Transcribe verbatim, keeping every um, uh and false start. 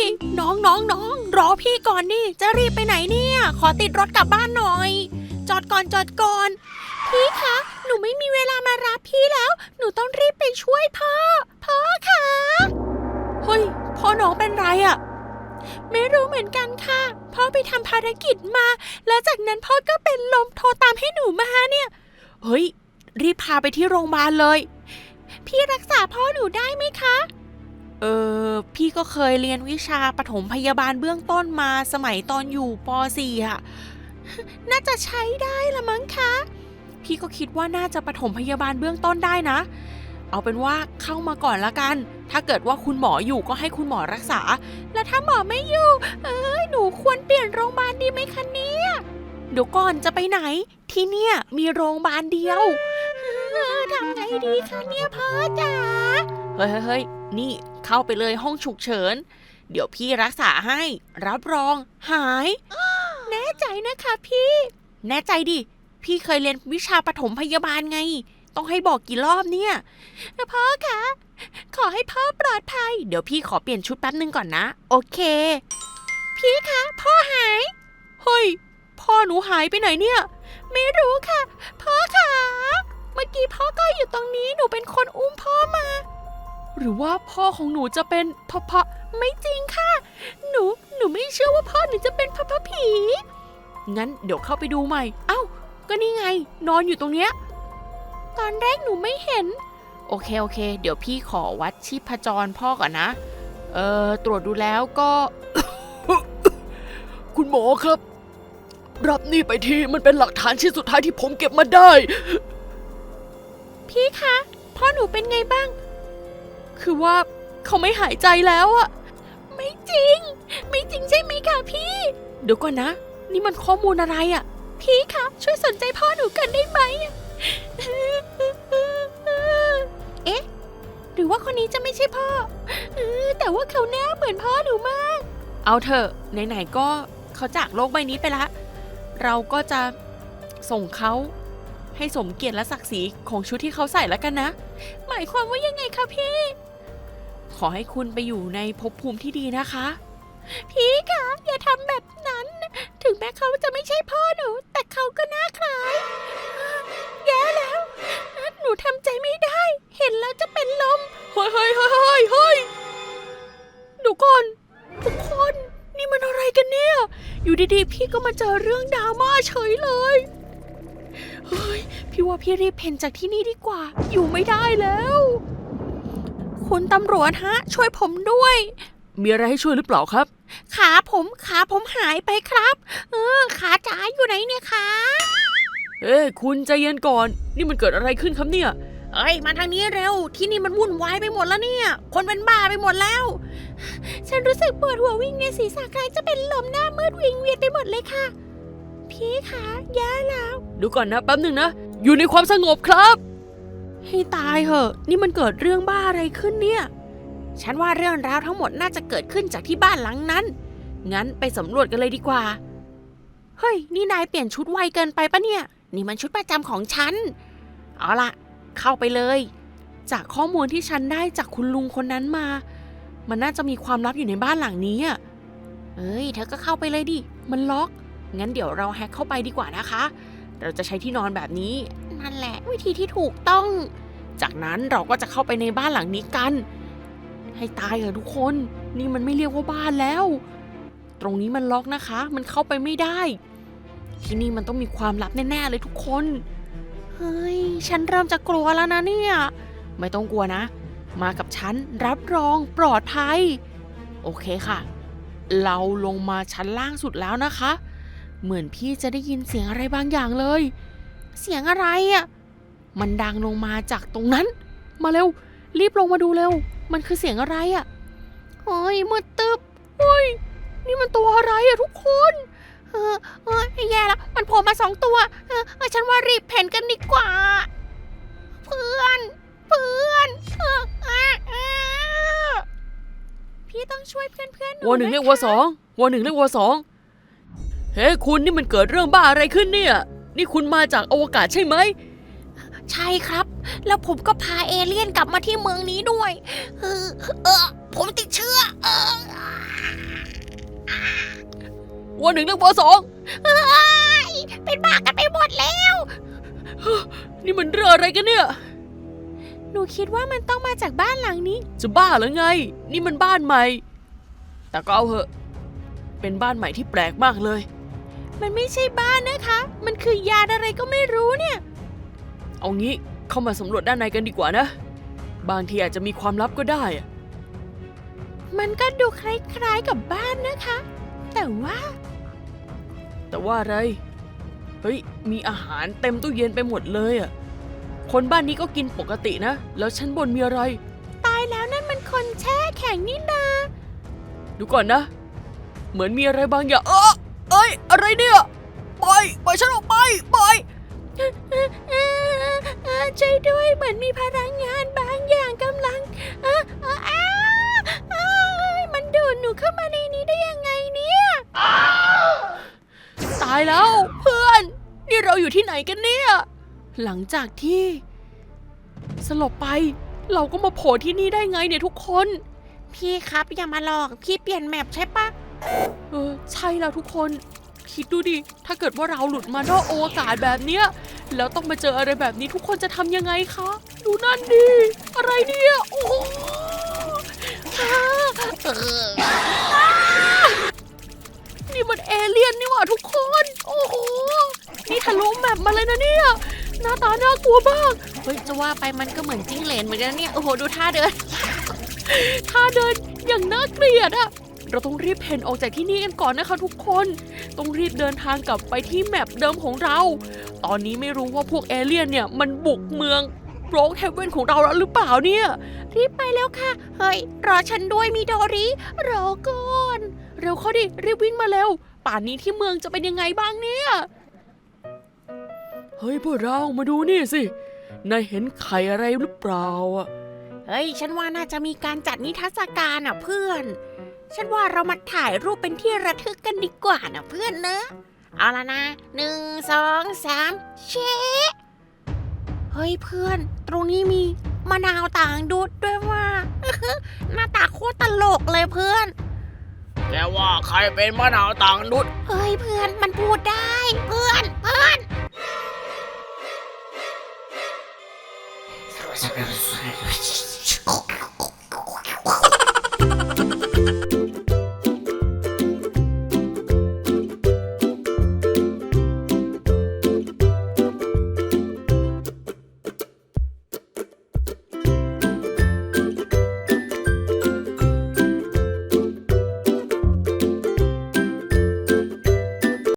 น้องน้องน้องรอพี่ก่อนดิจะรีบไปไหนเนี่ยขอติดรถกลับบ้านหน่อยจอดก่อนจอดก่อนพี่คะหนูไม่มีเวลามารับพี่แล้วหนูต้องรีบไปช่วยพ่อพ่อคะเฮ้ยพ่อน้องเป็นไรอะไม่รู้เหมือนกันค่ะพ่อไปทำภารกิจมาแล้วจากนั้นพ่อก็เป็นลมโทรตามให้หนูมาเนี่ยเฮ้ยรีบพาไปที่โรงพยาบาลเลยพี่รักษาพ่อหนูได้ไหมคะเออพี่ก็เคยเรียนวิชาปฐมพยาบาลเบื้องต้นมาสมัยตอนอยู่ป .สี่ อ่ะน่าจะใช้ได้ละมั้งคะพี่ก็คิดว่าน่าจะปฐมพยาบาลเบื้องต้นได้นะเอาเป็นว่าเข้ามาก่อนละกันถ้าเกิดว่าคุณหมออยู่ก็ให้คุณหมอรักษาแล้วถ้าหมอไม่อยู่เอ้ยหนูควรเปลี่ยนโรงพยาบาลดีไหมคะเนี่ยเดี๋ยวก่อนจะไปไหนที่เนี่ยมีโรงพยาบาลเดียวทำไงดีคะเนี่ยพ่อจ๋าเฮ้ยเฮ้ยนี่เข้าไปเลยห้องฉุกเฉินเดี๋ยวพี่รักษาให้รับรองหายแน่ใจนะคะพี่แน่ใจดิพี่เคยเรียนวิชาปฐมพยาบาลไงต้องให้บอกกี่รอบเนี่ยพ่อคะขอให้พ่อปลอดภัยเดี๋ยวพี่ขอเปลี่ยนชุดแป๊บนึงก่อนนะโอเคพี่คะพ่อหายเฮ้ยพ่อหนูหายไปไหนเนี่ยไม่รู้ค่ะพ่อคะเมื่อกี้พ่อก็อยู่ตรงนี้หนูเป็นคนอุ้มพ่อมาหรือว่าพ่อของหนูจะเป็นพ่อพ่อไม่จริงค่ะหนูหนูไม่เชื่อว่าพ่อหนูจะเป็นพ่อพ่อผีงั้นเดี๋ยวเข้าไปดูใหม่เอ้าก็นี่ไงนอนอยู่ตรงเนี้ยตอนแรกหนูไม่เห็นโอเคโอเคเดี๋ยวพี่ขอวัดชีพจรพ่อก่อนนะเอ่อตรวจดูแล้วก็คุณหมอครับรับนี่ไปทีมันเป็นหลักฐานชิ้นสุดท้ายที่ผมเก็บมาได้พี่คะพ่อหนูเป็นไงบ้างคือว่าเขาไม่หายใจแล้วอะไม่จริงไม่จริงใช่ไหมคะพี่เดี๋ยวก่อนนะนี่มันข้อมูลอะไรอะพี่คะช่วยสนใจพ่อหนูกันได้ไหมเอ๊ะหรือว่าคนนี้จะไม่ใช่พ่อแต่ว่าเขาหน้าเหมือนพ่อหนูมากเอาเถอะไหนๆก็เขาจากโลกใบนี้ไปละเราก็จะส่งเขาให้สมเกียรติและศักดิ์ศรีของชุดที่เขาใส่แล้วกันนะหมายความว่ายังไงคะพี่ขอให้คุณไปอยู่ในภพภูมิที่ดีนะคะพี่คะอย่าทำแบบนั้นถึงแม้เขาจะไม่ใช่พ่อหนูแต่เขาก็น่าคล้ายแย่แล้วหนูทำใจไม่ได้เห็นแล้วจะเป็นลมเฮ้ยเฮ้ยเฮ้ยเฮ้ยเฮ้ยดูก่อนทุกคนนี่มันอะไรกันเนี่ยอยู่ดีๆพี่ก็มาเจอเรื่องดราม่าเฉยเลยเฮ้ยพี่ว่าพี่รีบเพ่นจากที่นี่ดีกว่าอยู่ไม่ได้แล้วคุณตำรวจฮะช่วยผมด้วยมีอะไรให้ช่วยหรือเปล่าครับขาผมขาผมหายไปครับเออขาจ๋าอยู่ไหนเนี่ยขาเอ้คุณใจเย็นก่อนนี่มันเกิดอะไรขึ้นครับเนี่ยเอ้ยมาทางนี้เร็วที่นี่มันวุ่นวายไปหมดแล้วเนี่ยคนเป็นบ้าไปหมดแล้วฉันรู้สึกปวดหัววิ่งในศีรษะคล้ายจะเป็นลมหน้ามืดวิงเวียนไปหมดเลยค่ะพี่คะแย่แล้วดูก่อนนะแป๊บนึงนะอยู่ในความสงบครับให้ตายเหอะนี่มันเกิดเรื่องบ้าอะไรขึ้นเนี่ยฉันว่าเรื่องราวทั้งหมดน่าจะเกิดขึ้นจากที่บ้านหลังนั้นงั้นไปสำรวจกันเลยดีกว่าเฮ้ยนี่นายเปลี่ยนชุดไวเกินไปปะเนี่ยนี่มันชุดประจำของฉันเอาล่ะเข้าไปเลยจากข้อมูลที่ฉันได้จากคุณลุงคนนั้นมามันน่าจะมีความลับอยู่ในบ้านหลังนี้อ่ะเอ้ยเธอก็เข้าไปเลยดิมันล็อกงั้นเดี๋ยวเราแฮกเข้าไปดีกว่านะคะเราจะใช้ที่นอนแบบนี้นั่นแหละวิธีที่ถูกต้องจากนั้นเราก็จะเข้าไปในบ้านหลังนี้กันให้ตายเถอะทุกคนนี่มันไม่เรียกว่าบ้านแล้วตรงนี้มันล็อกนะคะมันเข้าไปไม่ได้ที่นี่มันต้องมีความลับแน่ๆเลยทุกคนเฮ้ยฉันเริ่มจะกลัวแล้วนะเนี่ยไม่ต้องกลัวนะมากับฉันรับรองปลอดภัยโอเคค่ะเราลงมาชั้นล่างสุดแล้วนะคะเหมือนพี่จะได้ยินเสียงอะไรบางอย่างเลยเสียงอะไรอ่ะมันดังลงมาจากตรงนั้นมาเร็วรีบลงมาดูเร็วมันคือเสียงอะไรอ่ะเฮ้ยมืดตึ๊บเฮ้ยนี่มันตัวอะไรอ่ะทุกคนเออเออแย่แล้วมันโผล่มาสองตัวเออฉันว่ารีบเพ่นกันดีกว่าเพื่อนเพื่อนเออเออเออพี่ต้องช่วยเพื่อนเพื่อนหนูวอหนึ่งเรียกวอสองวอหนึ่งเรียกวอสองเฮ้คุณนี่มันเกิดเรื่องบ้าอะไรขึ้นเนี่ยนี่คุณมาจากอวกาศใช่ไหมใช่ครับแล้วผมก็พาเอเลี่ยนกลับมาที่เมืองนี้ด้วยเออเออผมติดเชื้อเออวหนึ่งเรียกวสองเฮ้ยเป็นบ้ากันไปหมดแล้วนี่มันเรื่องอะไรกันเนี่ยหนูคิดว่ามันต้องมาจากบ้านหลังนี้จะบ้าหรือไง นี่มันบ้านใหม่ แต่ก็เอาเหอะ เป็นบ้านใหม่ที่แปลกมากเลยมันไม่ใช่บ้านนะคะ มันคือยานอะไรก็ไม่รู้เนี่ยเอางี้เข้ามาสำรวจด้านในกันดีกว่านะ บางทีอาจจะมีความลับก็ได้อะมันก็ดูคล้ายๆกับบ้านนะคะ แต่ว่าแต่ว่าอะไร เฮ้ย มีอาหารเต็มตู้เย็นไปหมดเลยอ่ะ คนบ้านนี้ก็กินปกตินะ แล้วชั้นบนมีอะไรตายแล้วนั่นมันคนแช่แข็งนี่นาดูก่อนนะ เหมือนมีอะไรบางอย่าง เออเอ้ย อะไรเนี่ยปล่อยปล่อยฉันออกไปปล่อยเอ่อเอ่อเอ่อเอ่อช่วยด้วยเหมือนมีพลังงานบางอย่างกำลังเอ่อเอ่ออ้าเอ้ยมันดูดหนูเข้ามาในนี้ได้ยังไงเนี่ยตายแล้วเพื่อน นี่เราอยู่ที่ไหนกันเนี่ย หลังจากที่ สลบไป เราก็มาโผล่ที่นี่ได้ไงเนี่ยทุกคนพี่ครับอย่ามาหลอกพี่เปลี่ยนแมปใช่ปะเออใช่แล้วทุกคน คิดดูดิ ถ้าเกิดว่าเราหลุดมานอกอวกาศแบบเนี้ยแล้วต้องมาเจออะไรแบบนี้ทุกคนจะทำยังไงคะ ดูนั่นดิ อะไรเนี่ย โอ้โหอ้าเอออ้านี่มันเอเลี่ยนนี่หว่าทุกคน โอ้โห นี่ทะลุแมปมาเลยนะเนี่ย หน้าตาน่ากลัวมากเฮ้ยจะว่าไปมันก็เหมือนจิ้งเหลนเหมือนกันนะเนี่ยโอ้โหดูท่าเดินท่าเดินอย่างน่าเกลียดอะเราต้องรีบเพ่นออกจากที่นี่กันก่อนนะคะทุกคน ต้องรีบเดินทางกลับไปที่แมปเดิมของเรา ตอนนี้ไม่รู้ว่าพวกเอเลี่ยนเนี่ยมันบุกเมืองโรกเฮเว่นของเราแล้วหรือเปล่าเนี่ยรีบไปแล้วค่ะ เฮ้ยรอฉันด้วยมิโดริรอก่อนเร็วเข้าดิ รีบวิ่งมาเร็ว ป่านนี้ที่เมืองจะเป็นยังไงบ้างเนี่ย เฮ้ยพวกเรามาดูนี่สิ นายเห็นไข่อะไรหรือเปล่าอะเฮ้ยฉันว่าน่าจะมีการจัดนิทรรศการอ่ะเพื่อน ฉันว่าเรามาถ่ายรูปเป็นที่ระทึกกันดีกว่านะเพื่อนเนอะเอาละนะหนึ่งสองสามเชะเฮ้ยเพื่อน ตรงนี้มีมะนาวต่างดุดด้วยว่า หน้าตาโคตรตลกเลยเพื่อนแกว่าใครเป็นมะนาวต่างนุษเฮ้ยเพื่อนมันพูดได้เพื่อนเพื่อนเ